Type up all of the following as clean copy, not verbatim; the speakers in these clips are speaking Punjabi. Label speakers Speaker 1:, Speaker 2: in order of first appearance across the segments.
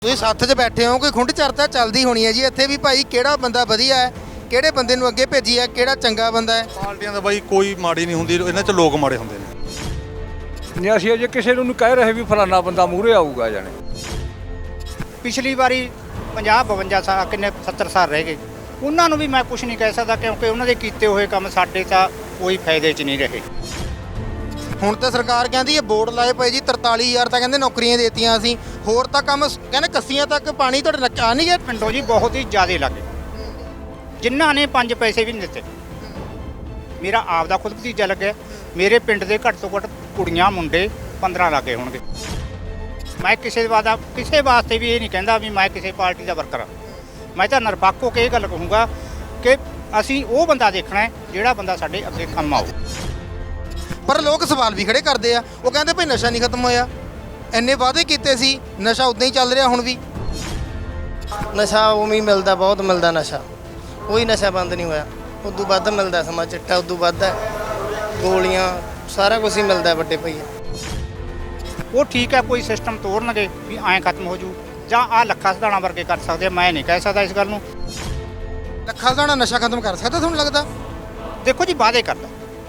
Speaker 1: ਤੁਸੀਂ ਸੱਥ 'ਚ ਬੈਠੇ ਹੋ, ਕੋਈ ਖੁੰਡ ਚਰਚਾ ਚੱਲਦੀ ਹੋਣੀ ਹੈ ਜੀ ਇੱਥੇ ਵੀ ਭਾਈ, ਕਿਹੜਾ ਬੰਦਾ ਵਧੀਆ ਹੈ, ਕਿਹੜੇ ਬੰਦੇ ਨੂੰ ਅੱਗੇ ਭੇਜੀ ਹੈ, ਕਿਹੜਾ ਚੰਗਾ ਬੰਦਾ ਹੈ।
Speaker 2: ਪਾਰਟੀਆਂ ਦਾ ਬਾਈ ਕੋਈ ਮਾੜੀ ਨਹੀਂ ਹੁੰਦੀ, ਇਹਨਾਂ 'ਚ ਲੋਕ ਮਾੜੇ ਹੁੰਦੇ ਨੇ।
Speaker 3: ਨਹੀਂ ਅਸੀਂ ਅਜੇ ਕਿਸੇ ਨੂੰ ਕਹਿ ਰਹੇ ਵੀ ਫਲਾਣਾ ਬੰਦਾ ਮੂਹਰੇ ਆਊਗਾ ਜਾਣੇ।
Speaker 4: ਪਿਛਲੀ ਵਾਰੀ 50-52 ਸਾਲ ਕਿੰਨੇ 70 ਸਾਲ ਰਹਿ ਗਏ, ਉਹਨਾਂ ਨੂੰ ਵੀ ਮੈਂ ਕੁਝ ਨਹੀਂ ਕਹਿ ਸਕਦਾ ਕਿਉਂਕਿ ਉਹਨਾਂ ਦੇ ਕੀਤੇ ਹੋਏ ਕੰਮ ਸਾਡੇ ਤਾਂ ਕੋਈ ਫਾਇਦੇ 'ਚ ਨਹੀਂ ਰਹੇ।
Speaker 1: ਹੁਣ ਤਾਂ ਸਰਕਾਰ ਕਹਿੰਦੀ ਹੈ ਬੋਰਡ ਲਾਏ ਪਏ ਜੀ 43,000 ਤਾਂ ਕਹਿੰਦੇ ਨੌਕਰੀਆਂ ਦੇਤੀਆਂ ਅਸੀਂ, ਹੋਰ ਤਾਂ ਕੰਮ ਕਹਿੰਦੇ ਕੱਸੀਆਂ ਤੱਕ ਪਾਣੀ ਤੁਹਾਡੇ ਨੱਕ ਆ ਨਹੀਂ ਗਿਆ।
Speaker 4: ਪਿੰਡੋਂ ਜੀ ਬਹੁਤ ਹੀ ਜ਼ਿਆਦੇ ਲੱਗੇ, ਜਿਨ੍ਹਾਂ ਨੇ 5 ਪੈਸੇ ਵੀ ਨਹੀਂ ਦਿੱਤੇ। ਮੇਰਾ ਆਪ ਦਾ ਖੁਦ ਭਤੀਜਾ ਲੱਗਿਆ, ਮੇਰੇ ਪਿੰਡ ਦੇ ਘੱਟ ਤੋਂ ਘੱਟ ਕੁੜੀਆਂ ਮੁੰਡੇ 15 ਲੱਗੇ ਹੋਣਗੇ। ਮੈਂ ਕਿਸੇ ਵਾਸਤੇ ਵੀ ਇਹ ਨਹੀਂ ਕਹਿੰਦਾ ਵੀ ਮੈਂ ਕਿਸੇ ਪਾਰਟੀ ਦਾ ਵਰਕਰ ਹਾਂ। ਮੈਂ ਤਾਂ ਨਿਰਪੱਖ ਹੋ ਕੇ ਇਹ ਗੱਲ ਕਹੂੰਗਾ ਕਿ ਅਸੀਂ ਉਹ ਬੰਦਾ ਦੇਖਣਾ ਹੈ ਜਿਹੜਾ ਬੰਦਾ ਸਾਡੇ ਅੱਗੇ ਕੰਮ ਆਊ।
Speaker 1: ਪਰ ਲੋਕ ਸਵਾਲ ਵੀ ਖੜੇ ਕਰਦੇ ਆ, ਉਹ ਕਹਿੰਦੇ ਭਾਈ ਨਸ਼ਾ ਨਹੀਂ ਖਤਮ ਹੋਇਆ, ਇੰਨੇ ਵਾਅਦੇ ਕੀਤੇ ਸੀ, ਨਸ਼ਾ ਉਦਾਂ ਹੀ ਚੱਲ ਰਿਹਾ ਹੁਣ ਵੀ।
Speaker 5: ਨਸ਼ਾ ਉਵੇਂ ਹੀ ਮਿਲਦਾ, ਬਹੁਤ ਮਿਲਦਾ ਨਸ਼ਾ, ਕੋਈ ਨਸ਼ਾ ਬੰਦ ਨਹੀਂ ਹੋਇਆ। ਉਦੋਂ ਵੱਧ ਮਿਲਦਾ, ਸਮਾਂ ਚਿੱਟਾ ਉਦੋਂ ਵੱਧ ਹੈ, ਗੋਲੀਆਂ ਸਾਰਾ ਕੁਝ ਹੀ ਮਿਲਦਾ ਵੱਡੇ ਭਈਆ।
Speaker 4: ਉਹ ਠੀਕ ਹੈ, ਕੋਈ ਸਿਸਟਮ ਤੋੜਨਗੇ ਵੀ ਐਂ ਖਤਮ ਹੋ ਜੂ, ਜਾਂ ਆਹ ਲੱਖਾ ਸਧਾਣਾ ਵਰਗੇ ਕਰ ਸਕਦੇ। ਮੈਂ ਨਹੀਂ ਕਹਿ ਸਕਦਾ ਇਸ ਗੱਲ ਨੂੰ।
Speaker 1: ਲੱਖਾਂ ਦਾ ਨਸ਼ਾ ਖਤਮ ਕਰ ਸਕਦਾ ਤੁਹਾਨੂੰ ਲੱਗਦਾ?
Speaker 4: ਦੇਖੋ ਜੀ ਵਾਅਦੇ ਕਰਦਾ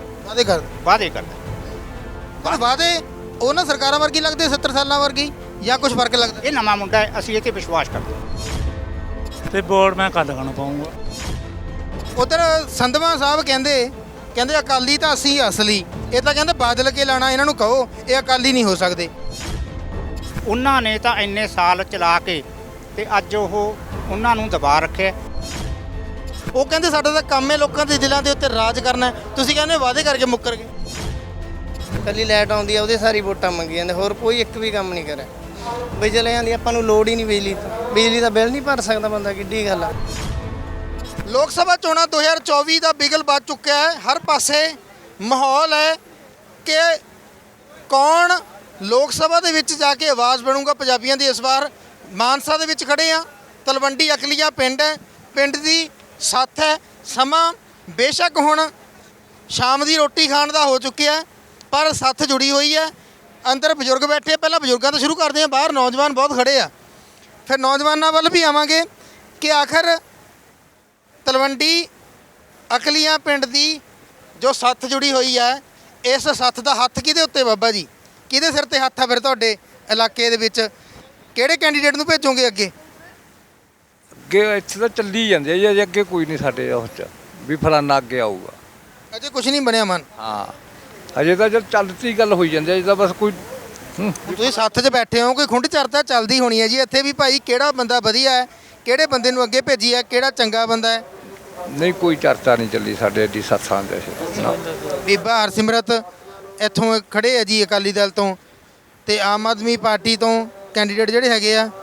Speaker 1: ਪਰ ਵਾਅਦੇ ਉਹਨਾਂ ਸਰਕਾਰਾਂ ਵਰਗੀ ਲੱਗਦੇ 70 ਸਾਲਾਂ ਵਰਗੀ, ਜਾਂ ਕੁਝ ਫਰਕ ਲੱਗਦਾ?
Speaker 4: ਇਹ ਨਵਾਂ ਮੁੰਡਾ ਹੈ, ਅਸੀਂ ਇਹ 'ਤੇ ਵਿਸ਼ਵਾਸ ਕਰਦੇ।
Speaker 6: ਤੇ ਵੋਟ ਮੈਂ ਕੱਲ ਖਾਣਾ ਪਾਉਂਗਾ।
Speaker 1: ਉਧਰ ਸੰਧਵਾ ਸਾਹਿਬ ਕਹਿੰਦੇ ਅਕਾਲੀ ਤਾਂ ਅਸੀਂ ਅਸਲੀ, ਇਹ ਤਾਂ ਕਹਿੰਦੇ ਬਾਦਲ ਕੇ ਲਾਣਾ, ਇਹਨਾਂ ਨੂੰ ਕਹੋ ਇਹ ਅਕਾਲੀ ਨਹੀਂ ਹੋ ਸਕਦੇ।
Speaker 4: ਉਹਨਾਂ ਨੇ ਤਾਂ ਇੰਨੇ ਸਾਲ ਚਲਾ ਕੇ ਤੇ ਅੱਜ ਉਹਨਾਂ ਨੂੰ ਦਬਾ ਰੱਖਿਆ।
Speaker 1: ਉਹ ਕਹਿੰਦੇ ਸਾਡਾ ਤਾਂ ਕੰਮ ਹੈ ਲੋਕਾਂ ਦੇ ਦਿਲਾਂ ਦੇ ਉੱਤੇ ਰਾਜ ਕਰਨਾ ਹੈ, ਤੁਸੀਂ ਕਹਿੰਦੇ ਵਾਅਦੇ ਕਰਕੇ ਮੁੱਕਰ ਗਏ।
Speaker 5: ਕੱਲੀ ਲਾਈਟ ਆਉਂਦੀ ਆ ਉਹਦੇ ਸਾਰੀ ਵੋਟਾਂ ਮੰਗੀ ਜਾਂਦੇ, ਹੋਰ ਕੋਈ ਇੱਕ ਵੀ ਕੰਮ ਨਹੀਂ ਕਰਿਆ। ਬਿਜਲੀਆਂ ਦੀ ਆਪਾਂ ਨੂੰ ਲੋੜ ਹੀ ਨਹੀਂ, ਬਿਜਲੀ ਦਾ ਬਿੱਲ ਨਹੀਂ ਭਰ ਸਕਦਾ ਬੰਦਾ, ਕਿੱਡੀ ਗੱਲ ਆ।
Speaker 1: ਲੋਕ ਸਭਾ ਚੋਣਾਂ 2024 ਦਾ ਬਿਗਲ ਵੱਜ ਚੁੱਕਿਆ ਹੈ, ਹਰ ਪਾਸੇ ਮਾਹੌਲ ਹੈ ਕਿ ਕੌਣ ਲੋਕ ਸਭਾ ਦੇ ਵਿੱਚ ਜਾ ਕੇ ਆਵਾਜ਼ ਬਣੂਗਾ ਪੰਜਾਬੀਆਂ ਦੀ। ਇਸ ਵਾਰ ਮਾਨਸਾ ਦੇ ਵਿੱਚ ਖੜੇ ਆ, ਤਲਵੰਡੀ ਅਕਲੀਆ ਪਿੰਡ ਹੈ, ਪਿੰਡ ਦੀ ਸੱਥ ਹੈ। ਸਮਾਂ ਬੇਸ਼ੱਕ ਹੁਣ ਸ਼ਾਮ ਦੀ ਰੋਟੀ ਖਾਣ ਦਾ ਹੋ ਚੁੱਕਿਆ, ਪਰ ਸੱਥ ਜੁੜੀ ਹੋਈ ਹੈ। ਅੰਦਰ ਬਜ਼ੁਰਗ ਬੈਠੇ, ਪਹਿਲਾਂ ਬਜ਼ੁਰਗਾਂ ਤੋਂ ਸ਼ੁਰੂ ਕਰਦੇ ਹਾਂ, ਬਾਹਰ ਨੌਜਵਾਨ ਬਹੁਤ ਖੜੇ ਆ, ਫਿਰ ਨੌਜਵਾਨਾਂ ਵੱਲ ਵੀ ਆਵਾਂਗੇ ਕਿ ਆਖਰ ਤਲਵੰਡੀ ਅਕਲੀਆਂ ਪਿੰਡ ਦੀ ਜੋ ਸੱਥ ਜੁੜੀ ਹੋਈ ਹੈ, ਇਸ ਸੱਥ ਦਾ ਹੱਥ ਕਿਹਦੇ ਉੱਤੇ ਬਾਬਾ ਜੀ? ਕਿਹਦੇ ਸਿਰ ਤੇ ਹੱਥ ਆ ਫਿਰ ਤੁਹਾਡੇ ਇਲਾਕੇ ਦੇ ਵਿੱਚ? ਕਿਹੜੇ ਕੈਂਡੀਡੇਟ ਨੂੰ ਭੇਜੋਗੇ ਅੱਗੇ?
Speaker 3: ਅੱਗੇ ਇੱਥੇ ਤਾਂ ਚੱਲੀ ਜਾਂਦੇ ਆ ਜੀ, ਅਜੇ ਅੱਗੇ ਕੋਈ ਨਹੀਂ ਸਾਡੇ ਉਸ 'ਚ ਵੀ ਫਲਾਣਾ ਅੱਗੇ ਆਊਗਾ।
Speaker 1: ਅਜੇ ਕੁਝ ਨਹੀਂ ਬਣਿਆ ਮਨ?
Speaker 3: ਹਾਂ ਅਜੇ ਤਾਂ ਜਦ ਚੱਲਦੀ ਗੱਲ ਹੋਈ ਜਾਂਦੀ ਹੈ, ਅਜੇ ਤਾਂ ਬਸ ਕੋਈ
Speaker 1: ਤੁਸੀਂ ਸੱਥ 'ਚ ਬੈਠੇ ਹੋ, ਕੋਈ ਖੁੰਡ ਚਰਚਾ ਚੱਲਦੀ ਹੋਣੀ ਹੈ ਜੀ ਇੱਥੇ ਵੀ ਭਾਈ, ਕਿਹੜਾ ਬੰਦਾ ਵਧੀਆ ਹੈ, ਕਿਹੜੇ ਬੰਦੇ ਨੂੰ ਅੱਗੇ ਭੇਜੀ ਹੈ, ਕਿਹੜਾ ਚੰਗਾ ਬੰਦਾ ਹੈ।
Speaker 3: ਨਹੀਂ ਕੋਈ ਚਰਚਾ ਨਹੀਂ ਚੱਲੀ ਸਾਡੇ ਐਡੀ ਸੱਥਾਂ ਦੇ।
Speaker 1: ਬੀਬਾ ਹਰਸਿਮਰਤ ਇੱਥੋਂ ਖੜੇ ਆ ਜੀ ਅਕਾਲੀ ਦਲ ਤੋਂ, ਤੇ ਆਮ ਆਦਮੀ ਪਾਰਟੀ ਤੋਂ ਕੈਂਡੀਡੇਟ ਜਿਹੜੇ ਹੈਗੇ ਆ।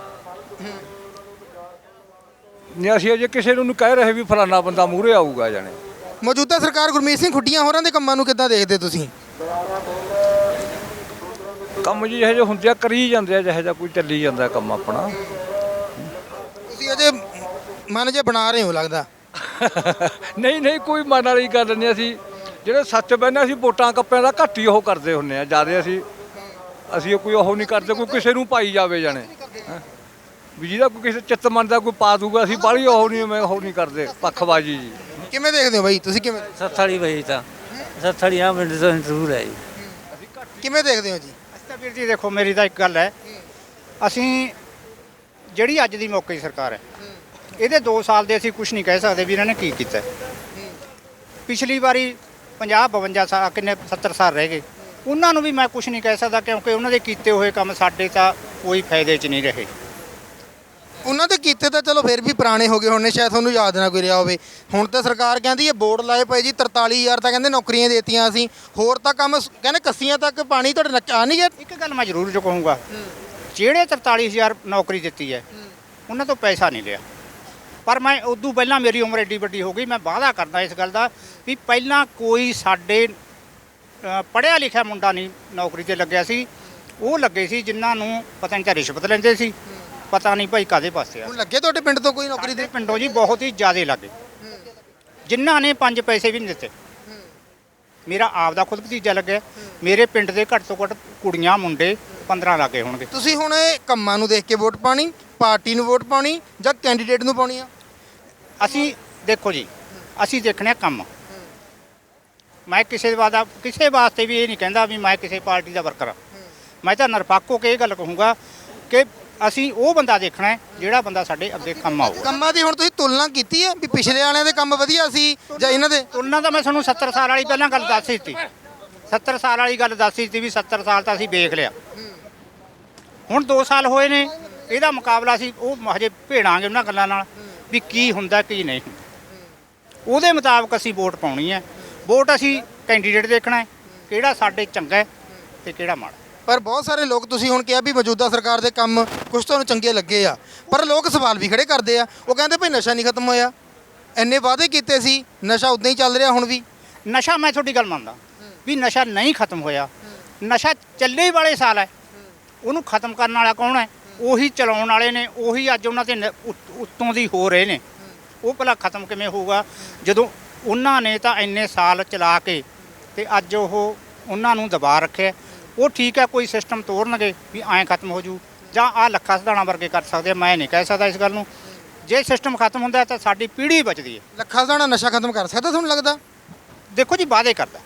Speaker 3: ਨਹੀਂ ਅਸੀਂ ਅਜੇ ਕਿਸੇ ਨੂੰ ਕਹਿ ਰਹੇ ਵੀ ਫਲਾਣਾ ਬੰਦਾ ਮੂਹਰੇ ਆਊਗਾ ਜਾਣੇ।
Speaker 1: ਮੌਜੂਦਾ ਸਰਕਾਰ ਗੁਰਮੀਤ ਸਿੰਘ ਖੁੱਡੀਆਂ ਹੋਰਾਂ ਦੇ ਕੰਮਾਂ ਨੂੰ ਕਿੱਦਾਂ ਦੇਖਦੇ ਤੁਸੀਂ?
Speaker 3: ਕੰਮ ਜੀ ਇਹੋ ਜਿਹੇ ਹੁੰਦੇ ਆ, ਕਰੀ ਜਾਂਦੇ ਆ, ਜਿਹੋ ਜਿਹਾ ਕੋਈ ਚੱਲੀ ਜਾਂਦਾ ਕੰਮ ਆਪਣਾ।
Speaker 1: ਤੁਸੀਂ ਅਜੇ ਮਨ ਜੇ ਬਣਾ ਰਹੇ ਹੋ ਲੱਗਦਾ।
Speaker 3: ਨਹੀਂ ਕੋਈ ਮਨ ਵਾਲੀ ਗੱਲ ਨਹੀਂ। ਅਸੀਂ ਜਿਹੜੇ ਸੱਚ ਬਹਿੰਦੇ, ਅਸੀਂ ਵੋਟਾਂ ਕੱਪਿਆਂ ਦਾ ਘੱਟ ਹੀ ਉਹ ਕਰਦੇ ਹੁੰਦੇ ਆ, ਜ਼ਿਆਦਾ ਅਸੀਂ ਕੋਈ ਉਹ ਨਹੀਂ ਕਰਦੇ, ਕੋਈ ਕਿਸੇ ਨੂੰ ਪਾਈ ਜਾਵੇ ਜਾਣੇ ਵੀ ਜਿਹਦਾ ਕੋਈ ਕਿਸੇ ਚਿੱਤ ਮੰਨਦਾ ਕੋਈ ਪਾ ਦੂਗਾ। ਅਸੀਂ ਬਾਹਲੀ ਉਹ ਨਹੀਂ ਕਰਦੇ, ਪੱਖਬਾਜੀ ਜੀ।
Speaker 1: ਕਿਵੇਂ ਦੇਖਦੇ ਹੋ ਬਾਈ ਤੁਸੀਂ? ਕਿਵੇਂ
Speaker 6: ਸੱਥੜੀ ਬਈ ਤਾਂ ਸੱਥੜੀ ਆ ਪਿੰਡ ਤੋਂ ਜ਼ਰੂਰ ਹੈ ਜੀ।
Speaker 1: ਕਿਵੇਂ ਦੇਖਦੇ ਹੋ ਜੀ?
Speaker 4: ਅਸੀਂ ਤਾਂ ਵੀਰ ਜੀ ਦੇਖੋ, ਮੇਰੀ ਤਾਂ ਇੱਕ ਗੱਲ ਹੈ, ਅਸੀਂ ਜਿਹੜੀ ਅੱਜ ਦੀ ਮੌਕੇ ਦੀ ਸਰਕਾਰ ਹੈ, ਇਹਦੇ 2 ਸਾਲ ਦੇ ਅਸੀਂ ਕੁਝ ਨਹੀਂ ਕਹਿ ਸਕਦੇ ਵੀ ਇਹਨਾਂ ਨੇ ਕੀ ਕੀਤਾ। ਪਿਛਲੀ ਵਾਰੀ 50-52 ਸਾਲ ਕਿੰਨੇ 70 ਸਾਲ ਰਹਿ ਗਏ, ਉਹਨਾਂ ਨੂੰ ਵੀ ਮੈਂ ਕੁਝ ਨਹੀਂ ਕਹਿ ਸਕਦਾ ਕਿਉਂਕਿ ਉਹਨਾਂ ਦੇ ਕੀਤੇ ਹੋਏ ਕੰਮ ਸਾਡੇ ਤਾਂ ਕੋਈ ਫਾਇਦੇ 'ਚ ਨਹੀਂ ਰਹੇ।
Speaker 1: ਉਹਨਾਂ ਦੇ ਕੀਤੇ ਤਾਂ ਚਲੋ ਫਿਰ ਵੀ ਪੁਰਾਣੇ ਹੋ ਗਏ ਹੋਣੇ, ਸ਼ਾਇਦ ਤੁਹਾਨੂੰ ਯਾਦ ਨਾ ਕੋਈ ਰਿਹਾ ਹੋਵੇ। ਹੁਣ ਤਾਂ ਸਰਕਾਰ ਕਹਿੰਦੀ ਹੈ ਬੋਰਡ ਲਾਏ ਪਏ ਜੀ 43,000 ਤਾਂ ਕਹਿੰਦੇ ਨੌਕਰੀਆਂ ਦੇਤੀਆਂ ਅਸੀਂ, ਹੋਰ ਤਾਂ ਕੰਮ ਕਹਿੰਦੇ ਕੱਸੀਆਂ ਤੱਕ ਪਾਣੀ ਤੁਹਾਡੇ ਨੱਕ ਆ ਨਹੀਂ ਗਿਆ।
Speaker 4: ਇੱਕ ਗੱਲ ਮੈਂ ਜ਼ਰੂਰ ਜੋ ਕਹੂੰਗਾ, ਜਿਹੜੇ 43,000 ਨੌਕਰੀ ਦਿੱਤੀ ਹੈ ਉਹਨਾਂ ਤੋਂ ਪੈਸਾ ਨਹੀਂ ਲਿਆ। ਪਰ ਮੈਂ ਉਦੋਂ ਪਹਿਲਾਂ ਮੇਰੀ ਉਮਰ ਐਡੀ ਵੱਡੀ ਹੋ ਗਈ, ਮੈਂ ਵਾਅਦਾ ਕਰਦਾ ਇਸ ਗੱਲ ਦਾ ਵੀ ਪਹਿਲਾਂ ਕੋਈ ਸਾਡੇ ਪੜ੍ਹਿਆ ਲਿਖਿਆ ਮੁੰਡਾ ਨਹੀਂ ਨੌਕਰੀ 'ਤੇ ਲੱਗਿਆ ਸੀ। ਉਹ ਲੱਗੇ ਸੀ ਜਿਨ੍ਹਾਂ ਨੂੰ ਪਤਾ ਨਹੀਂ ਤਾਂ ਰਿਸ਼ਵਤ ਲੈਂਦੇ ਸੀ, ਪਤਾ ਨਹੀਂ ਭਾਈ ਕਾਹਦੇ ਪਾਸੇ ਆ।
Speaker 1: ਹੁਣ ਲੱਗੇ ਤੁਹਾਡੇ ਪਿੰਡ ਤੋਂ ਕੋਈ ਨੌਕਰੀ ਦੇ?
Speaker 4: ਪਿੰਡੋਂ ਜੀ ਬਹੁਤ ਹੀ ਜ਼ਿਆਦੇ ਲੱਗੇ, ਜਿਨ੍ਹਾਂ ਨੇ 5 ਪੈਸੇ ਵੀ ਨਹੀਂ ਦਿੱਤੇ। ਮੇਰਾ ਆਪ ਦਾ ਖੁਦ ਭਤੀਜਾ ਲੱਗਿਆ, ਮੇਰੇ ਪਿੰਡ ਦੇ ਘੱਟ ਤੋਂ ਘੱਟ ਕੁੜੀਆਂ ਮੁੰਡੇ 15 ਲੱਗੇ ਹੋਣਗੇ।
Speaker 1: ਤੁਸੀਂ ਹੁਣ ਇਹ ਕੰਮਾਂ ਨੂੰ ਦੇਖ ਕੇ ਵੋਟ ਪਾਣੀ, ਪਾਰਟੀ ਨੂੰ ਵੋਟ ਪਾਉਣੀ ਜਾਂ ਕੈਂਡੀਡੇਟ ਨੂੰ ਪਾਉਣੀ ਆ?
Speaker 4: ਅਸੀਂ ਦੇਖੋ ਜੀ, ਅਸੀਂ ਦੇਖਣੇ ਕੰਮ। ਮੈਂ ਕਿਸੇ ਵਾਸਤੇ ਵੀ ਇਹ ਨਹੀਂ ਕਹਿੰਦਾ ਵੀ ਮੈਂ ਕਿਸੇ ਪਾਰਟੀ ਦਾ ਵਰਕਰ ਹਾਂ। ਮੈਂ ਤਾਂ ਨਿਰਪੱਖ ਹੋ ਕੇ ਇਹ ਗੱਲ ਕਹੂੰਗਾ ਕਿ ਅਸੀਂ ਉਹ ਬੰਦਾ ਦੇਖਣਾ ਹੈ ਜਿਹੜਾ ਬੰਦਾ ਸਾਡੇ ਅੱਗੇ ਕੰਮ ਆਊਗਾ।
Speaker 1: ਕੰਮਾਂ ਦੀ ਹੁਣ ਤੁਸੀਂ ਤੁਲਨਾ ਕੀਤੀ ਹੈ ਵੀ ਪਿਛਲੇ ਵਾਲਿਆਂ ਦੇ ਕੰਮ ਵਧੀਆ ਸੀ ਜਾਂ ਇਹਨਾਂ ਦੇ?
Speaker 4: ਤੁਲਨਾ ਤਾਂ ਮੈਂ ਤੁਹਾਨੂੰ 70 ਸਾਲ ਵਾਲੀ ਪਹਿਲਾਂ ਗੱਲ ਦੱਸ ਦਿੱਤੀ। 70 ਸਾਲ ਵਾਲੀ ਗੱਲ ਦੱਸ ਦਿੱਤੀ ਵੀ 70 ਸਾਲ ਤਾਂ ਅਸੀਂ ਵੇਖ ਲਿਆ। ਹੁਣ 2 ਸਾਲ ਹੋਏ ਨੇ, ਇਹਦਾ ਮੁਕਾਬਲਾ ਸੀ ਉਹ ਹਜੇ ਭੇੜਾਂਗੇ ਉਹਨਾਂ ਗੱਲਾਂ ਨਾਲ ਵੀ ਕੀ ਹੁੰਦਾ ਕੀ ਨਹੀਂ। ਉਹਦੇ ਮੁਤਾਬਕ ਅਸੀਂ ਵੋਟ ਪਾਉਣੀ ਹੈ। ਵੋਟ ਅਸੀਂ ਕੈਂਡੀਡੇਟ ਦੇਖਣਾ ਹੈ ਕਿਹੜਾ ਸਾਡੇ ਚੰਗਾ ਹੈ ਤੇ ਕਿਹੜਾ ਮਾੜਾ।
Speaker 1: ਪਰ ਬਹੁਤ ਸਾਰੇ ਲੋਕ, ਤੁਸੀਂ ਹੁਣ ਕਿਹਾ ਵੀ ਮੌਜੂਦਾ ਸਰਕਾਰ ਦੇ ਕੰਮ ਕੁਝ ਤੁਹਾਨੂੰ ਚੰਗੇ ਲੱਗੇ ਆ, ਪਰ ਲੋਕ ਸਵਾਲ ਵੀ ਖੜੇ ਕਰਦੇ ਆ। ਉਹ ਕਹਿੰਦੇ ਭਈ ਨਸ਼ਾ ਨਹੀਂ ਖਤਮ ਹੋਇਆ, ਇੰਨੇ ਵਾਅਦੇ ਕੀਤੇ ਸੀ, ਨਸ਼ਾ ਉਦਾਂ ਹੀ ਚੱਲ ਰਿਹਾ ਹੁਣ ਵੀ।
Speaker 4: ਨਸ਼ਾ, ਮੈਂ ਤੁਹਾਡੀ ਗੱਲ ਮੰਨਦਾ ਵੀ ਨਸ਼ਾ ਨਹੀਂ ਖਤਮ ਹੋਇਆ। ਨਸ਼ਾ ਚੱਲੇ ਹੀ ਵਾਲੇ ਸਾਲ ਹੈ, ਉਹਨੂੰ ਖਤਮ ਕਰਨ ਵਾਲਾ ਕੌਣ ਹੈ? ਉਹੀ ਚਲਾਉਣ ਵਾਲੇ ਨੇ, ਉਹੀ ਅੱਜ ਉਹਨਾਂ ਤੇ ਉੱਤੋਂ ਦੀ ਹੋ ਰਹੇ ਨੇ। ਉਹ ਭਲਾ ਖਤਮ ਕਿਵੇਂ ਹੋਊਗਾ ਜਦੋਂ ਉਹਨਾਂ ਨੇ ਤਾਂ ਇੰਨੇ ਸਾਲ ਚਲਾ ਕੇ ਤੇ ਅੱਜ ਉਹ ਉਹਨਾਂ ਨੂੰ ਦਬਾ ਰੱਖਿਆ। ਉਹ ਠੀਕ ਹੈ, ਕੋਈ ਸਿਸਟਮ ਤੋੜਨਗੇ ਵੀ ਐਂ ਖਤਮ ਹੋ ਜੂ ਜਾਂ ਆਹ ਲੱਖਾ ਸਧਾਣਾ ਵਰਗੇ ਕਰ ਸਕਦੇ। ਮੈਂ ਨਹੀਂ ਕਹਿ ਸਕਦਾ ਇਸ ਗੱਲ ਨੂੰ। ਜੇ ਸਿਸਟਮ ਖਤਮ ਹੁੰਦਾ ਤਾਂ ਸਾਡੀ ਪੀੜ੍ਹੀ ਬਚਦੀ ਹੈ।
Speaker 1: ਲੱਖਾਂ ਦਾ ਨਸ਼ਾ ਖਤਮ ਕਰ ਸਕਦਾ ਤੁਹਾਨੂੰ ਲੱਗਦਾ?
Speaker 4: ਦੇਖੋ ਜੀ, ਵਾਅਦੇ ਕਰਦਾ।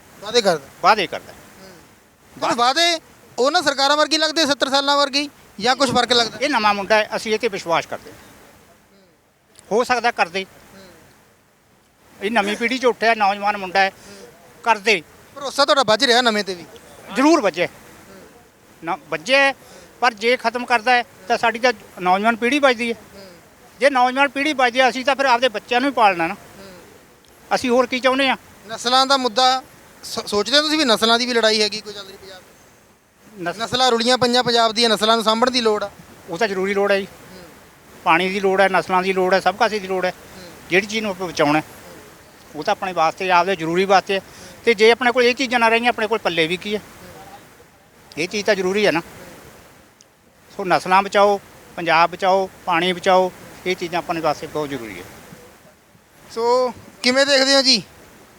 Speaker 1: ਤੁਹਾਨੂੰ ਵਾਅਦੇ ਉਹਨਾਂ ਸਰਕਾਰਾਂ ਵਰਗੀ ਲੱਗਦੇ 70 ਸਾਲਾਂ ਵਰਗੀ ਜਾਂ ਕੁਝ ਫਰਕ ਲੱਗਦਾ?
Speaker 4: ਇਹ ਨਵਾਂ ਮੁੰਡਾ ਹੈ, ਅਸੀਂ ਇਹ 'ਤੇ ਵਿਸ਼ਵਾਸ ਕਰਦੇ ਹਾਂ। ਹੋ ਸਕਦਾ ਕਰਦੇ, ਇਹ ਨਵੀਂ ਪੀੜ੍ਹੀ 'ਚ ਉੱਠਿਆ ਨੌਜਵਾਨ ਮੁੰਡਾ ਹੈ, ਕਰਦੇ।
Speaker 1: ਭਰੋਸਾ ਤੁਹਾਡਾ ਵੱਜ ਰਿਹਾ ਨਵੇਂ ਤੇ ਵੀ?
Speaker 4: ਜ਼ਰੂਰ ਵੱਜੇ ਨਾ ਵੱਜੇ, ਪਰ ਜੇ ਖਤਮ ਕਰਦਾ ਹੈ ਤਾਂ ਸਾਡੀ ਤਾਂ ਨੌਜਵਾਨ ਪੀੜ੍ਹੀ ਬਚਦੀ ਹੈ। ਜੇ ਨੌਜਵਾਨ ਪੀੜ੍ਹੀ ਬਚਦੀ ਹੈ, ਅਸੀਂ ਤਾਂ ਫਿਰ ਆਪਦੇ ਬੱਚਿਆਂ ਨੂੰ ਹੀ ਪਾਲਣਾ ਨਾ। ਅਸੀਂ ਹੋਰ ਕੀ ਚਾਹੁੰਦੇ ਹਾਂ?
Speaker 1: ਨਸਲਾਂ ਦਾ ਮੁੱਦਾ ਸੋਚਦੇ ਹੋ ਤੁਸੀਂ ਵੀ ਨਸਲਾਂ ਦੀ ਵੀ ਲੜਾਈ ਹੈਗੀ ਕੋਈ ਚੱਲ ਰਹੀ ਪੰਜਾਬ? ਨਸਲਾਂ ਰੁਲੀਆਂ ਪਈਆਂ ਪੰਜਾਬ ਦੀਆਂ, ਨਸਲਾਂ ਨੂੰ ਸਾਂਭਣ ਦੀ ਲੋੜ ਆ।
Speaker 4: ਉਹ ਤਾਂ ਜ਼ਰੂਰੀ ਲੋੜ ਹੈ ਜੀ। ਪਾਣੀ ਦੀ ਲੋੜ ਹੈ, ਨਸਲਾਂ ਦੀ ਲੋੜ ਹੈ, ਸਭ ਕਾਸੇ ਦੀ ਲੋੜ ਹੈ। ਜਿਹੜੀ ਚੀਜ਼ ਨੂੰ ਆਪਾਂ ਬਚਾਉਣਾ ਉਹ ਤਾਂ ਆਪਣੇ ਵਾਸਤੇ, ਆਪਦੇ ਜ਼ਰੂਰੀ ਵਾਸਤੇ ਹੈ। ਤੇ ਜੇ ਆਪਣੇ ਕੋਲ ਇਹ ਚੀਜ਼ਾਂ ਨਾ ਰਹੀਆਂ, ਆਪਣੇ ਕੋਲ ਪੱਲੇ ਵੀ ਕੀ ਹੈ? ਇਹ ਚੀਜ਼ ਤਾਂ ਜ਼ਰੂਰੀ ਹੈ ਨਾ। ਸੋ ਨਸਲਾਂ ਬਚਾਓ, ਪੰਜਾਬ ਬਚਾਓ, ਪਾਣੀ ਬਚਾਓ, ਇਹ ਚੀਜ਼ਾਂ ਆਪਣੇ ਵਾਸਤੇ ਬਹੁਤ ਜ਼ਰੂਰੀ ਹੈ।
Speaker 1: ਸੋ ਕਿਵੇਂ ਦੇਖਦੇ ਹੋ ਜੀ?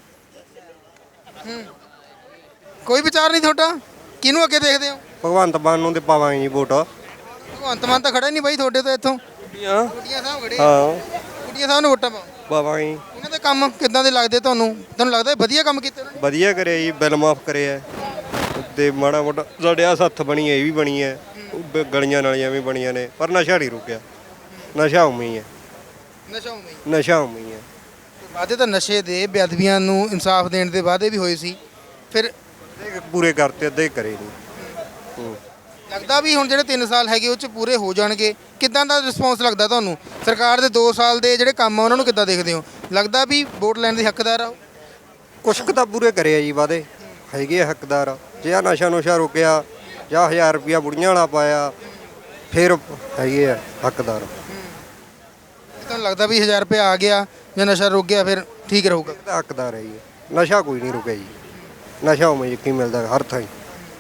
Speaker 1: ਕੋਈ ਵਿਚਾਰ ਨਹੀਂ ਤੁਹਾਡਾ? ਕਿਹਨੂੰ ਅੱਗੇ ਦੇਖਦੇ ਹੋ?
Speaker 7: ਭਗਵੰਤ ਮਾਨ ਨੂੰ ਤੇ ਪਾਵਾਂਗੇ ਜੀ ਵੋਟ।
Speaker 1: ਭਗਵੰਤ ਮਾਨ ਤਾਂ ਖੜਾ ਨਹੀਂ ਬਾਈ ਤੁਹਾਡੇ ਤੋਂ ਇੱਥੋਂ।
Speaker 7: ਕੁੜੀਆਂ
Speaker 1: ਕੁੜੀਆਂ ਸਾਹਿਬ ਖੜੇ।
Speaker 7: ਹਾਂ,
Speaker 1: ਕੁੜੀਆਂ ਸਾਹਿਬ ਨੂੰ ਵੋਟਾਂ ਪਾਓ।
Speaker 7: ਪਾਵਾਂਗੇ ਜੀ।
Speaker 1: ਉਹਨਾਂ ਦੇ ਕੰਮ ਕਿੱਦਾਂ ਦੇ ਲੱਗਦੇ ਤੁਹਾਨੂੰ? ਤੁਹਾਨੂੰ ਲੱਗਦਾ ਵਧੀਆ ਕੰਮ ਕੀਤੇ ਉਹਨਾਂ ਨੇ?
Speaker 7: ਵਧੀਆ ਕਰਿਆ ਜੀ, ਬਿੱਲ ਮਾਫ ਕਰਿਆ ਤੇ ਮਾੜਾ ਮੋਟਾ ਸਾਡੇ ਆ ਸੱਥ ਬਣੀ ਹੈ, ਇਹ ਵੀ ਬਣੀ ਹੈ, ਗਲੀਆਂ ਨਾਲੀਆਂ ਵੀ ਬਣੀਆਂ ਨੇ, ਪਰ ਨਸ਼ਾ ਨਹੀਂ ਰੁਕਿਆ। ਨਸ਼ਾ ਉਵੇਂ ਹੀ ਹੈ, ਨਸ਼ਾ ਉਵੇਂ ਹੀ ਹੈ।
Speaker 1: ਵਾਅਦੇ ਤਾਂ ਨਸ਼ੇ ਦੇ, ਬੇਅਦਬੀਆਂ ਨੂੰ ਇਨਸਾਫ ਦੇਣ ਦੇ ਵਾਅਦੇ ਵੀ ਹੋਏ ਸੀ, ਫਿਰ
Speaker 7: ਪੂਰੇ ਕਰਤੇ, ਅੱਧੇ ਕਰੇ ਨਹੀਂ।
Speaker 1: ਲੱਗਦਾ ਵੀ ਹੁਣ ਜਿਹੜੇ 3 ਸਾਲ ਹੈਗੇ ਉਹ 'ਚ ਪੂਰੇ ਹੋ ਜਾਣਗੇ। ਕਿੱਦਾਂ ਦਾ ਰਿਸਪੌਂਸ ਲੱਗਦਾ ਤੁਹਾਨੂੰ? ਸਰਕਾਰ ਦੇ 2 ਸਾਲ ਦੇ ਜਿਹੜੇ ਕੰਮ ਆ ਉਹਨਾਂ ਨੂੰ ਕਿੱਦਾਂ ਦੇਖਦੇ ਹੋ? ਲੱਗਦਾ ਵੀ ਵੋਟ ਲੈਣ ਦੇ ਹੱਕਦਾਰ ਆ ਉਹ?
Speaker 7: ਕੁਛ ਕੁ ਤਾਂ ਪੂਰੇ ਕਰਿਆ ਜੀ ਵਾਅਦੇ, ਹੈਗੇ ਆ ਹੱਕਦਾਰ। ਜੇ ਆ ਨਸ਼ਾ ਨੁਸ਼ਾ ਰੁਕਿਆ ਜਾਂ 1000 ਰੁਪਇਆ ਬੁੜੀਆਂ ਵਾਲਾ ਪਾਇਆ, ਫਿਰ ਹੈਗੇ ਆ ਹੱਕਦਾਰ।
Speaker 1: ਤੁਹਾਨੂੰ ਲੱਗਦਾ ਵੀ 1000 ਰੁਪਏ ਆ ਗਿਆ ਜਾਂ ਨਸ਼ਾ ਰੁਕ ਗਿਆ ਫਿਰ ਠੀਕ ਰਹੂਗਾ?
Speaker 7: ਤਾਂ ਹੱਕਦਾਰ ਹੈ ਜੀ। ਨਸ਼ਾ ਕੋਈ ਨਹੀਂ ਰੁਕਿਆ ਜੀ, ਨਸ਼ਾ ਉਵੇਂ ਯਕੀਨ ਮਿਲਦਾ ਹਰ ਥਾਂ।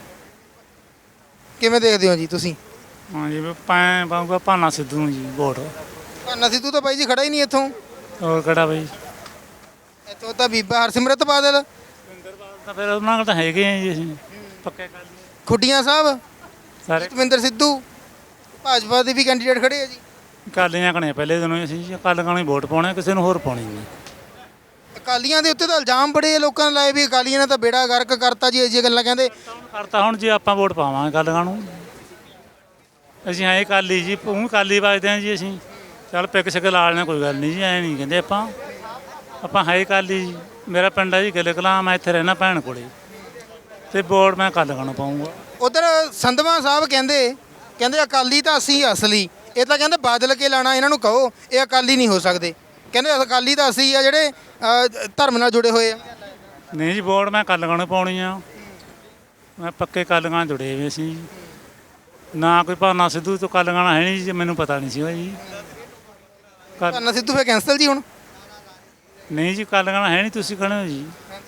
Speaker 1: ਕਿਵੇਂ ਦੇਖਦੇ ਹੋ ਜੀ ਤੁਸੀਂ?
Speaker 6: ਹਾਂ ਜੀ, ਮੈਂ ਪਾਉਂਗਾ ਭਾਨਾ ਸਿੱਧੂ ਨੂੰ ਜੀ ਵੋਟ।
Speaker 1: ਭਾਨਾ ਸਿੱਧੂ ਤਾਂ ਬਾਈ ਜੀ ਖੜਾ ਹੀ ਨਹੀਂ ਇੱਥੋਂ।
Speaker 6: ਹੋਰ ਕਿਹੜਾ ਬਈ?
Speaker 1: ਇੱਥੋਂ ਤਾਂ ਬੀਬਾ ਹਰਸਿਮਰਤ ਬਾਦਲ,
Speaker 6: ਤਾਂ ਫਿਰ ਉਹਨਾਂ ਕੋਲ ਤਾਂ ਹੈਗੇ ਆ ਜੀ, ਅਸੀਂ ਪੱਕੇ ਕਰ ਲਈਏ
Speaker 1: ਖੁੱਡੀਆਂ ਸਾਹਿਬ,
Speaker 6: ਸਾਰੇ।
Speaker 1: ਜਤਵਿੰਦਰ ਸਿੱਧੂ, ਭਾਜਪਾ ਦੇ ਵੀ ਕੈਂਡੀਡੇਟ ਖੜੇ ਆ ਜੀ।
Speaker 6: ਕਾਲੀਆਂ ਕਣੇ ਪਹਿਲੇ ਦਿਨੋਂ ਹੀ ਅਸੀਂ ਕੱਲ ਕਾਣੀ ਵੋਟ ਪਾਉਣੇ, ਕਿਸੇ ਨੂੰ ਹੋਰ ਪਾਉਣੀ ਨਹੀਂ।
Speaker 1: ਅਕਾਲੀਆਂ ਦੇ ਉੱਤੇ ਤਾਂ ਇਲਜ਼ਾਮ ਬੜੇ ਲੋਕਾਂ ਨੇ ਲਾਏ ਵੀ ਅਕਾਲੀਆਂ ਨੇ ਤਾਂ ਬੇੜਾ ਗਰਕ ਕਰਤਾ ਜੀ, ਇਹ ਜਿਹੀਆਂ ਗੱਲਾਂ ਕਹਿੰਦੇ।
Speaker 6: ਕਰਤਾ ਹੁਣ ਜੇ ਆਪਾਂ ਵੋਟ ਪਾਵਾਂਗੇ ਕੱਲ ਕਾਣੂ, ਅਸੀਂ ਐਂ ਕਾਲੀ ਜੀ, ਉਹ ਕਾਲੀ ਵੱਜਦੇ ਹਾਂ ਜੀ। ਅਸੀਂ ਚੱਲ ਪਿੱਕ ਸਿੱਕ ਲਾ ਲੈਣਾ, ਕੋਈ ਗੱਲ ਨਹੀਂ ਜੀ, ਐਂ ਨਹੀਂ ਕਹਿੰਦੇ ਆਪਾਂ ਹੈ ਕਾਲੀ ਜੀ। ਮੇਰਾ ਪਿੰਡ ਹੈ ਜੀ ਗਿੱਲ ਕਲਾਂ, ਮੈਂ ਇੱਥੇ ਰਹਿਣਾ ਭੈਣ ਕੋਲੇ, ਤੇ ਵੋਟ ਮੈਂ ਕੱਲ ਕਾਣੂ ਪਾਊਂਗਾ।
Speaker 1: ਉਧਰ ਸੰਧਵਾ ਸਾਹਿਬ ਕਹਿੰਦੇ ਅਕਾਲੀ ਤਾਂ ਅਸੀਂ ਅਸਲੀ, ਇਹ ਤਾਂ ਕਹਿੰਦੇ ਬਾਦਲ ਕੇ ਲਾਣਾ, ਇਹਨਾਂ ਨੂੰ ਕਹੋ ਇਹ ਅਕਾਲੀ ਨਹੀਂ ਹੋ ਸਕਦੇ। ਕਹਿੰਦੇ ਅਕਾਲੀ ਤਾਂ ਅਸੀਂ ਆ ਜਿਹੜੇ ਧਰਮ ਨਾਲ ਜੁੜੇ ਹੋਏ ਆ।
Speaker 6: ਨਹੀਂ ਜੀ, ਵੋਟ ਮੈਂ ਕੱਲ ਕਾਣੂ ਪਾਉਣੀ ਆ, ਮੈਂ ਪੱਕੇ ਕੱਲ ਕਾਣ ਜੁੜੇ ਹੋਏ ਅਸੀਂ ਨਾ। ਕੋਈ ਭਾਨਾ ਸਿੱਧੂ ਤੋਂ ਕੱਲ ਗਾਣਾ ਹੈ ਨਹੀਂ ਜੀ, ਮੈਨੂੰ ਪਤਾ ਨਹੀਂ ਸੀ ਜੀ।
Speaker 1: ਭਾਨਾ ਸਿੱਧੂ ਫਿਰ ਕੈਂਸਲ ਜੀ ਹੁਣ?
Speaker 6: ਨਹੀਂ ਜੀ, ਕੱਲ ਗਾਣਾ ਹੈ ਨਹੀਂ, ਤੁਸੀਂ ਕਹਿੰਦੇ ਹੋ ਜੀ।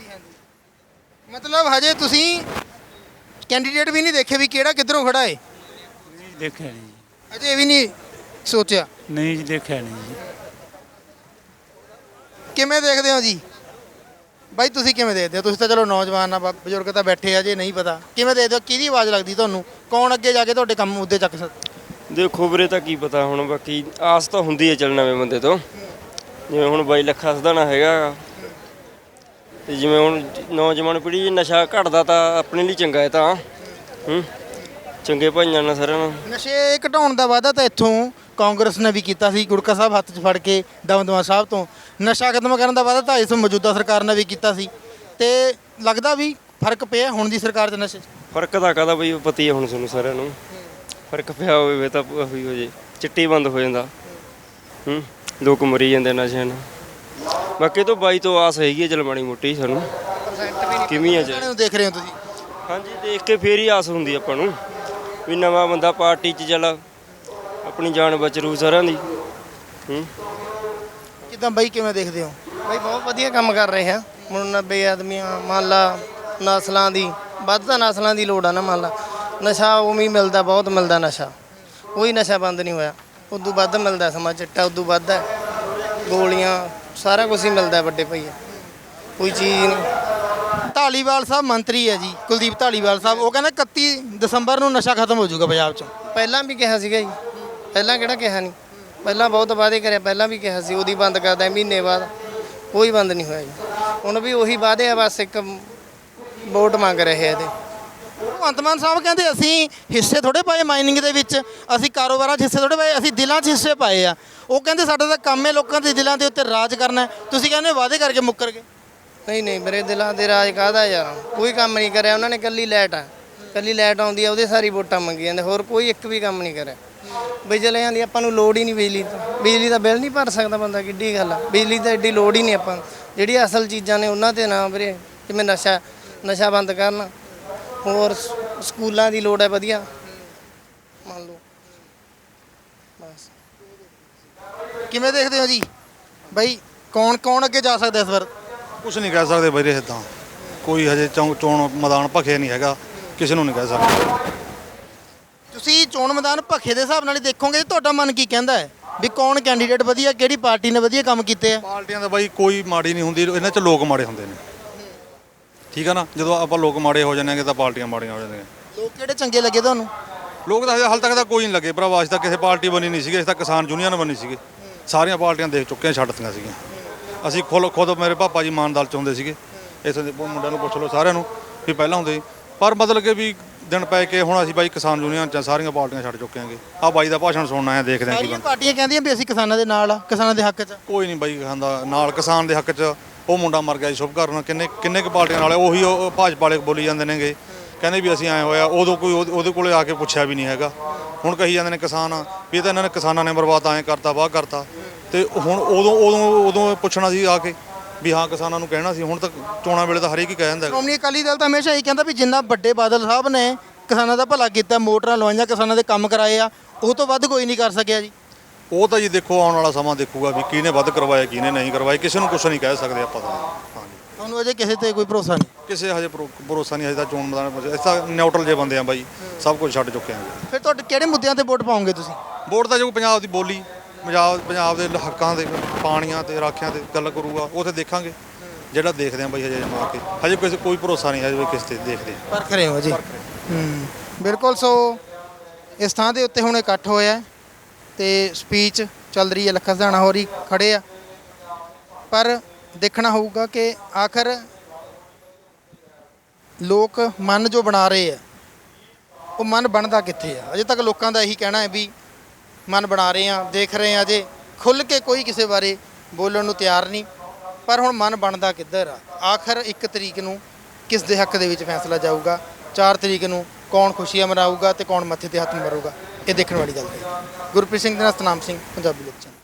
Speaker 1: ਮਤਲਬ ਹਜੇ ਤੁਸੀਂ ਕੈਂਡੀਡੇਟ ਵੀ ਨਹੀਂ ਦੇਖੇ ਵੀ ਕਿਹੜਾ ਕਿੱਧਰੋਂ ਖੜਾ ਏ?
Speaker 6: ਨਹੀਂ ਦੇਖਿਆ ਨਹੀਂ ਜੀ।
Speaker 1: ਅਜੇ ਵੀ ਨਹੀਂ ਸੋਚਿਆ?
Speaker 6: ਨਹੀਂ ਜੀ, ਦੇਖਿਆ ਨਹੀਂ ਜੀ।
Speaker 1: ਕਿਵੇਂ ਦੇਖਦੇ ਹੋ ਜੀ ਬਾਈ? ਤੁਸੀਂ ਕਿਵੇਂ ਦੇਖਦੇ ਹੋ? ਤੁਸੀਂ ਤਾਂ ਚਲੋ ਨੌਜਵਾਨ ਆ, ਬਜ਼ੁਰਗ ਤਾਂ ਬੈਠੇ ਆ, ਜੇ ਨਹੀਂ ਪਤਾ ਕਿਵੇਂ ਦੇਖਦੇ ਹੋ? ਕਿਹਦੀ ਆਵਾਜ਼ ਲੱਗਦੀ ਤੁਹਾਨੂੰ? ਕੌਣ ਅੱਗੇ ਜਾ ਕੇ ਤੁਹਾਡੇ ਕੰਮ ਮੁੱਦੇ ਚੱਕ ਸਕਦਾ?
Speaker 8: ਦੇਖੋ ਵੀਰੇ ਤਾਂ ਕੀ ਪਤਾ ਹੁਣ, ਬਾਕੀ ਆਸ ਤਾਂ ਹੁੰਦੀ ਹੈ ਚੱਲ ਨਵੇਂ ਬੰਦੇ ਤੋਂ। ਜਿਵੇਂ ਹੁਣ ਬਾਈ ਲੱਖਾ ਸਧਾਣਾ ਹੈਗਾ ਗਾ। ਤੇ ਜਿਵੇਂ ਹੁਣ ਨੌਜਵਾਨ ਪੀੜ੍ਹੀ 'ਚ ਨਸ਼ਾ ਘਟਦਾ ਤਾਂ ਆਪਣੇ ਲਈ ਚੰਗਾ ਹੈ ਤਾਂ ਚੰਗੇ ਭਾਈਆਂ ਨਾਲ ਸਾਰਿਆਂ ਨਾਲ।
Speaker 1: ਨਸ਼ੇ ਘਟਾਉਣ ਦਾ ਵਾਅਦਾ ਤਾਂ ਇੱਥੋਂ ਕਾਂਗਰਸ ਨੇ ਵੀ ਕੀਤਾ ਸੀ, ਗੁਰਕਾ ਸਾਹਿਬ ਹੱਥ 'ਚ ਫੜ ਕੇ ਦਮਦਮਾ ਸਾਹਿਬ ਤੋਂ। ਨਸ਼ਾ ਖਤਮ ਕਰਨ ਦਾ ਵਾਅਦਾ ਤਾਂ ਇਸ ਮੌਜੂਦਾ ਸਰਕਾਰ ਨੇ ਵੀ ਕੀਤਾ ਸੀ, ਤੇ ਲੱਗਦਾ ਵੀ ਫਰਕ ਪਿਆ ਹੁਣ ਦੀ ਸਰਕਾਰ 'ਚ ਨਸ਼ੇ 'ਚ।
Speaker 8: ਫਰਕ ਤਾਂ ਕਾਹਦਾ ਬਈ, ਪਤਾ ਹੀ ਹੈ ਹੁਣ ਤੁਹਾਨੂੰ ਸਾਰਿਆਂ ਨੂੰ। ਫਰਕ ਪਿਆ ਹੋਵੇ ਤਾਂ ਉਹੀ ਹੋ ਜੇ, ਚਿੱਟੀ ਬੰਦ ਹੋ ਜਾਂਦਾ। ਲੋਕ ਮਰੀ ਜਾਂਦੇ ਨਸ਼ਿਆਂ ਨਾਲ। ਬਾਕੀ ਤੋਂ ਬਾਈ ਤੋਂ ਆਸ ਹੈਗੀ ਹੈ ਚਲ ਮਾੜੀ ਮੋਟੀ ਸਾਨੂੰ। ਕਿਵੇਂ ਹੈ ਜੀ?
Speaker 1: ਨੂੰ ਦੇਖ ਰਹੇ ਹੋ ਤੁਸੀਂ?
Speaker 8: ਹਾਂਜੀ, ਦੇਖ ਕੇ ਫੇਰ ਹੀ ਆਸ ਹੁੰਦੀ ਆਪਾਂ ਨੂੰ ਵੀ ਨਵਾਂ ਬੰਦਾ ਪਾਰਟੀ 'ਚ ਚੱਲ ਆਪਣੀ ਜਾਨ ਬਚਰੂ ਸਾਰਿਆਂ ਦੀ।
Speaker 1: ਕਿੱਦਾਂ ਬਾਈ, ਕਿਵੇਂ ਦੇਖਦੇ ਹੋ?
Speaker 5: ਬਈ ਬਹੁਤ ਵਧੀਆ ਕੰਮ ਕਰ ਰਹੇ ਆ। ਹੁਣ 90 ਆਦਮੀਆਂ ਮੰਨ ਲਾ ਨਸਲਾਂ ਦੀ, ਵੱਧ ਤਾਂ ਨਸਲਾਂ ਦੀ ਲੋੜ ਆ ਨਾ। ਮੰਨ ਲਾ ਨਸ਼ਾ ਉਵੇਂ ਹੀ ਮਿਲਦਾ, ਬਹੁਤ ਮਿਲਦਾ ਨਸ਼ਾ। ਕੋਈ ਨਸ਼ਾ ਬੰਦ ਨਹੀਂ ਹੋਇਆ। ਉਦੋਂ ਵੱਧ ਮਿਲਦਾ ਸਮਾਂ, ਚਿੱਟਾ ਉਦੋਂ ਵੱਧ ਹੈ, ਗੋਲੀਆਂ ਸਾਰਾ ਕੁਝ ਹੀ ਮਿਲਦਾ ਵੱਡੇ ਭਈਆ, ਕੋਈ ਚੀਜ਼ ਨਹੀਂ।
Speaker 1: ਢਾਲੀਵਾਲ ਸਾਹਿਬ ਮੰਤਰੀ ਹੈ ਜੀ, ਕੁਲਦੀਪ ਢਾਲੀਵਾਲ ਸਾਹਿਬ, ਉਹ ਕਹਿੰਦਾ 31 ਦਸੰਬਰ ਨੂੰ ਨਸ਼ਾ ਖਤਮ ਹੋ ਜਾਊਗਾ ਪੰਜਾਬ 'ਚੋਂ।
Speaker 5: ਪਹਿਲਾਂ ਵੀ ਕਿਹਾ ਸੀਗਾ ਜੀ, ਪਹਿਲਾਂ ਕਿਹੜਾ ਕਿਹਾ ਨਹੀਂ। ਪਹਿਲਾਂ ਬਹੁਤ ਵਾਅਦੇ ਕਰਿਆ, ਪਹਿਲਾਂ ਵੀ ਕਿਹਾ ਸੀ ਉਹਦੀ ਬੰਦ ਕਰਦਾ ਮਹੀਨੇ ਬਾਅਦ, ਕੋਈ ਬੰਦ ਨਹੀਂ ਹੋਇਆ ਜੀ। ਹੁਣ ਵੀ ਉਹੀ ਵਾਅਦੇ ਆ, ਬਸ ਇੱਕ ਵੋਟ ਮੰਗ ਰਹੇ ਆ ਇਹਦੇ।
Speaker 1: ਭਗਵੰਤ ਮਾਨ ਸਾਹਿਬ ਕਹਿੰਦੇ ਅਸੀਂ ਹਿੱਸੇ ਥੋੜੇ ਪਾਏ ਮਾਈਨਿੰਗ ਦੇ ਵਿੱਚ, ਅਸੀਂ ਕਾਰੋਬਾਰਾਂ 'ਚ ਹਿੱਸੇ ਥੋੜੇ ਪਾਏ, ਅਸੀਂ ਦਿਲਾਂ 'ਚ ਹਿੱਸੇ ਪਾਏ ਆ। ਉਹ ਕਹਿੰਦੇ ਸਾਡਾ ਤਾਂ ਕੰਮ ਹੈ ਲੋਕਾਂ ਦੇ ਦਿਲਾਂ ਦੇ ਉੱਤੇ ਰਾਜ ਕਰਨਾ। ਤੁਸੀਂ ਕਹਿੰਦੇ ਵਾਅਦੇ ਕਰਕੇ ਮੁੱਕਰ ਗਏ।
Speaker 5: ਨਹੀਂ ਨਹੀਂ, ਮੇਰੇ ਦਿਲਾਂ ਦੇ ਰਾਜ ਕਾਹਦਾ ਯਾਰ, ਕੋਈ ਕੰਮ ਨਹੀਂ ਕਰਿਆ ਉਹਨਾਂ ਨੇ। ਕੱਲੀ ਲਾਈਟ ਆ, ਕੱਲੀ ਲਾਈਟ ਆਉਂਦੀ ਆ ਉਹਦੇ ਸਾਰੀ ਵੋਟਾਂ ਮੰਗੀ ਜਾਂਦੇ, ਹੋਰ ਕੋਈ ਇੱਕ ਵੀ ਕੰਮ ਨਹੀਂ ਕਰਿਆ। ਬਿਜਲੀਆਂ ਦੀ ਆਪਾਂ ਨੂੰ ਲੋੜ ਹੀ ਨਹੀਂ, ਬਿਜਲੀ ਦਾ ਬਿੱਲ ਨਹੀਂ ਭਰ ਸਕਦਾ ਬੰਦਾ, ਕਿੱਡੀ ਗੱਲ ਆ। ਬਿਜਲੀ ਤਾਂ ਐਡੀ ਲੋੜ ਹੀ ਨਹੀਂ ਆਪਾਂ। ਜਿਹੜੀ ਅਸਲ ਚੀਜ਼ਾਂ ਨੇ ਉਹਨਾਂ 'ਤੇ ਨਾ ਵੀਰੇ, ਜਿਵੇਂ ਨਸ਼ਾ ਬੰਦ ਕਰਨ, ਹੋਰ ਸਕੂਲਾਂ ਦੀ ਲੋੜ ਹੈ ਵਧੀਆ, ਮੰਨ ਲਓ। ਬਸ
Speaker 1: ਕਿਵੇਂ ਦੇਖਦੇ ਹੋ ਜੀ ਬਾਈ, ਕੌਣ ਅੱਗੇ ਜਾ ਸਕਦਾ ਇਸ ਵਾਰ?
Speaker 2: ਕੁਝ ਨਹੀਂ ਕਹਿ ਸਕਦੇ ਵੀਰੇ, ਇੱਦਾਂ ਕੋਈ ਹਜੇ ਚੋਣ ਮੈਦਾਨ ਭਖਿਆ ਨਹੀਂ ਹੈਗਾ, ਕਿਸੇ ਨੂੰ ਨਹੀਂ ਕਹਿ ਸਕਦੇ।
Speaker 1: ਤੁਸੀਂ ਚੋਣ ਮੈਦਾਨ ਭੱਖੇ ਦੇ ਹਿਸਾਬ ਨਾਲ ਹੀ ਦੇਖੋਗੇ, ਤੁਹਾਡਾ ਮਨ ਕੀ ਕਹਿੰਦਾ ਹੈ ਵੀ ਕੌਣ ਕੈਂਡੀਡੇਟ ਵਧੀਆ, ਕਿਹੜੀ ਪਾਰਟੀ ਨੇ ਵਧੀਆ ਕੰਮ ਕੀਤੇ ਆ?
Speaker 2: ਪਾਰਟੀਆਂ ਦਾ ਬਾਈ ਕੋਈ ਮਾੜੀ ਨਹੀਂ ਹੁੰਦੀ, ਇਹਨਾਂ 'ਚ ਲੋਕ ਮਾੜੇ ਹੁੰਦੇ ਨੇ। ਠੀਕ ਆ ਨਾ, ਜਦੋਂ ਆਪਾਂ ਲੋਕ ਮਾੜੇ ਹੋ ਜਾਂਦੇ ਤਾਂ ਪਾਰਟੀਆਂ ਮਾੜੀਆਂ ਹੋ ਜਾਂਦੀਆਂ।
Speaker 1: ਲੋਕ ਕਿਹੜੇ ਚੰਗੇ ਲੱਗੇ ਤੁਹਾਨੂੰ?
Speaker 2: ਲੋਕ ਤਾਂ ਹਾਲ ਤੱਕ ਤਾਂ ਕੋਈ ਨਹੀਂ ਲੱਗੇ ਭਰਾਵਾ। ਅਸੀਂ ਤਾਂ ਕਿਸੇ ਪਾਰਟੀ ਬਣੀ ਨਹੀਂ ਸੀਗੇ, ਅਸੀਂ ਤਾਂ ਕਿਸਾਨ ਯੂਨੀਅਨ ਬਣੀ ਸੀਗੇ। ਸਾਰੀਆਂ ਪਾਰਟੀਆਂ ਦੇਖ ਚੁੱਕੇ ਹਾਂ, ਛੱਡਤੀਆਂ ਸੀਗੀਆਂ। ਅਸੀਂ ਖੁਦ ਮੇਰੇ ਪਾਪਾ ਜੀ ਮਾਨ ਦਲ 'ਚ ਹੁੰਦੇ ਸੀਗੇ। ਇੱਥੇ ਦੇ ਮੁੰਡਿਆਂ ਨੂੰ ਪੁੱਛ ਲਓ ਸਾਰਿਆਂ ਨੂੰ ਵੀ ਪਹਿਲਾਂ ਹੁੰਦੇ ਸੀ, ਪਰ ਮਤਲਬ ਕਿ ਵੀ ਦਿਨ ਪੈ ਕੇ ਹੁਣ ਅਸੀਂ ਬਾਈ ਕਿਸਾਨ ਯੂਨੀਅਨ 'ਚ ਸਾਰੀਆਂ ਪਾਰਟੀਆਂ ਛੱਡ ਚੁੱਕੇ ਹਾਂਗੇ। ਆਹ ਬਾਈ ਦਾ ਭਾਸ਼ਣ ਸੁਣਨਾ ਹੈ, ਦੇਖਦੇ ਹਾਂ ਕੀ
Speaker 1: ਸਾਰੀਆਂ ਪਾਰਟੀਆਂ ਕਹਿੰਦੀਆਂ ਵੀ ਅਸੀਂ ਕਿਸਾਨਾਂ ਦੇ ਨਾਲ ਆ, ਕਿਸਾਨਾਂ ਦੇ ਹੱਕ 'ਚ।
Speaker 2: ਕੋਈ ਨਹੀਂ ਬਾਈ ਖਾਂਦਾ ਨਾਲ ਕਿਸਾਨ ਦੇ ਹੱਕ 'ਚ। ਉਹ ਮੁੰਡਾ ਮਰ ਗਿਆ ਜੀ ਸ਼ੁਭਕਰਨ, ਕਿੰਨੇ ਕੁ ਪਾਰਟੀਆਂ ਨਾਲ ਉਹੀ ਉਹ ਭਾਜਪਾ ਵਾਲੇ ਬੋਲੀ ਜਾਂਦੇ ਨੇਗੇ, ਕਹਿੰਦੇ ਵੀ ਅਸੀਂ ਐਂ ਹੋਇਆ। ਉਦੋਂ ਕੋਈ ਉਹਦੇ ਕੋਲੇ ਆ ਕੇ ਪੁੱਛਿਆ ਵੀ ਨਹੀਂ ਹੈਗਾ। ਹੁਣ ਕਹੀ ਜਾਂਦੇ ਨੇ ਕਿਸਾਨ ਵੀ ਇਹ ਤਾਂ ਇਹਨਾਂ ਨੇ ਕਿਸਾਨਾਂ ਨੇ ਬਰਬਾਦ ਐਂ ਕਰਤਾ, ਵਾਹ ਕਰਤਾ। ਤੇ ਹੁਣ ਉਦੋਂ ਪੁੱਛਣਾ ਸੀ ਆ ਕੇ ਵੀ ਹਾਂ ਕਿਸਾਨਾਂ ਨੂੰ ਕਹਿਣਾ ਸੀ। ਹੁਣ ਤਾਂ ਚੋਣਾਂ ਵੇਲੇ ਤਾਂ ਹਰੇਕ ਹੀ ਕਹਿ ਜਾਂਦਾ।
Speaker 1: ਸ਼੍ਰੋਮਣੀ ਅਕਾਲੀ ਦਲ ਤਾਂ ਹਮੇਸ਼ਾ ਹੀ ਕਹਿੰਦਾ ਵੀ ਜਿੰਨਾ ਵੱਡੇ ਬਾਦਲ ਸਾਹਿਬ ਨੇ ਕਿਸਾਨਾਂ ਦਾ ਭਲਾ ਕੀਤਾ, ਮੋਟਰਾਂ ਲਵਾਈਆਂ, ਕਿਸਾਨਾਂ ਦੇ ਕੰਮ ਕਰਾਏ ਆ, ਉਹ ਤੋਂ ਵੱਧ ਕੋਈ ਨਹੀਂ ਕਰ ਸਕਿਆ ਜੀ।
Speaker 2: ਉਹ ਤਾਂ ਜੀ ਦੇਖੋ ਆਉਣ ਵਾਲਾ ਸਮਾਂ ਦੇਖੂਗਾ ਵੀ ਕਿਹਨੇ ਵੱਧ ਕਰਵਾਇਆ, ਕਿਹਨੇ ਨਹੀਂ ਕਰਵਾਇਆ। ਕਿਸੇ ਨੂੰ ਕੁਛ ਨਹੀਂ ਕਹਿ ਸਕਦੇ ਆਪਾਂ ਤਾਂ। ਹਾਂਜੀ,
Speaker 1: ਤੁਹਾਨੂੰ ਅਜੇ ਕਿਸੇ ਤੇ ਕੋਈ ਭਰੋਸਾ ਨਹੀਂ?
Speaker 2: ਕਿਸੇ ਹਜੇ ਭਰੋਸਾ ਨਹੀਂ। ਹਜੇ ਤਾਂ ਚੋਣ ਮੈਦਾਨ ਇਸ ਤਾਂ ਨਿਊਟਰਲ ਜੇ ਬੰਦੇ ਆ ਬਾਈ, ਸਭ ਕੁਝ ਛੱਡ ਚੁੱਕੇ ਹਾਂ।
Speaker 1: ਫਿਰ ਤੁਹਾਡੇ ਕਿਹੜੇ ਮੁੱਦਿਆਂ ਤੇ ਵੋਟ ਪਾਓਗੇ ਤੁਸੀਂ?
Speaker 2: ਵੋਟ ਤਾਂ ਜੋ ਪੰਜਾਬ ਦੀ ਬੋਲੀ, ਪੰਜਾਬ ਦੇ ਹੱਕਾਂ ਦੇ, ਪਾਣੀਆਂ ਤੇ ਰਾਖਿਆਂ ਤੇ ਗੱਲ ਕਰੂਗਾ, ਉਹ ਤੇ ਦੇਖਾਂਗੇ। ਜਿਹੜਾ ਦੇਖਦੇ ਆ ਬਾਈ ਹਜੇ ਮਾਰ ਕੇ, ਹਜੇ ਕੋਈ ਭਰੋਸਾ ਨਹੀਂ ਹਜੇ ਕਿਸੇ ਤੇ ਦੇਖਦੇ ਆ।
Speaker 1: ਪਰਖ ਰਹੇ ਹੋ ਜੀ। ਬਿਲਕੁਲ। ਸੋ ਇਸ ਥਾਂ ਦੇ ਉੱਤੇ ਹੁਣ ਇਕੱਠ ਹੋਇਆ ਤੇ ਸਪੀਚ ਚੱਲ ਰਹੀ ਹੈ, ਲੱਖਾ ਸਧਾਣਾ ਹੋਰੀ ਖੜੇ ਆ, ਪਰ ਦੇਖਣਾ ਹੋਊਗਾ ਕਿ ਆਖਰ ਲੋਕ ਮਨ ਜੋ ਬਣਾ ਰਹੇ ਆ ਉਹ ਮਨ ਬਣਦਾ ਕਿੱਥੇ ਆ। ਅਜੇ ਤੱਕ ਲੋਕਾਂ ਦਾ ਇਹੀ ਕਹਿਣਾ ਹੈ ਵੀ ਮਨ ਬਣਾ ਰਹੇ ਆ, ਦੇਖ ਰਹੇ ਆ, ਅਜੇ ਖੁੱਲ੍ਹ ਕੇ ਕੋਈ ਕਿਸੇ ਬਾਰੇ ਬੋਲਣ ਨੂੰ ਤਿਆਰ ਨਹੀਂ। ਪਰ ਹੁਣ ਮਨ ਬਣਦਾ ਕਿੱਧਰ ਆ? ਆਖਰ 1 ਤਰੀਕ ਨੂੰ ਕਿਸ ਦੇ ਹੱਕ ਦੇ ਵਿੱਚ ਫੈਸਲਾ ਜਾਊਗਾ, 4 ਤਰੀਕ ਨੂੰ ਕੌਣ ਖੁਸ਼ੀਆਂ ਮਨਾਊਗਾ ਤੇ ਕੌਣ ਮੱਥੇ ਤੇ ਹੱਥ ਮਾਰੂਗਾ, ਇਹ ਦੇਖਣ ਵਾਲੀ ਗੱਲ ਹੈ। ਗੁਰਪ੍ਰੀਤ ਸਿੰਘ ਦੇ ਨਾਲ ਸਤਨਾਮ ਸਿੰਘ, ਪੰਜਾਬੀ ਲੋਕ ਚੈਨਲ।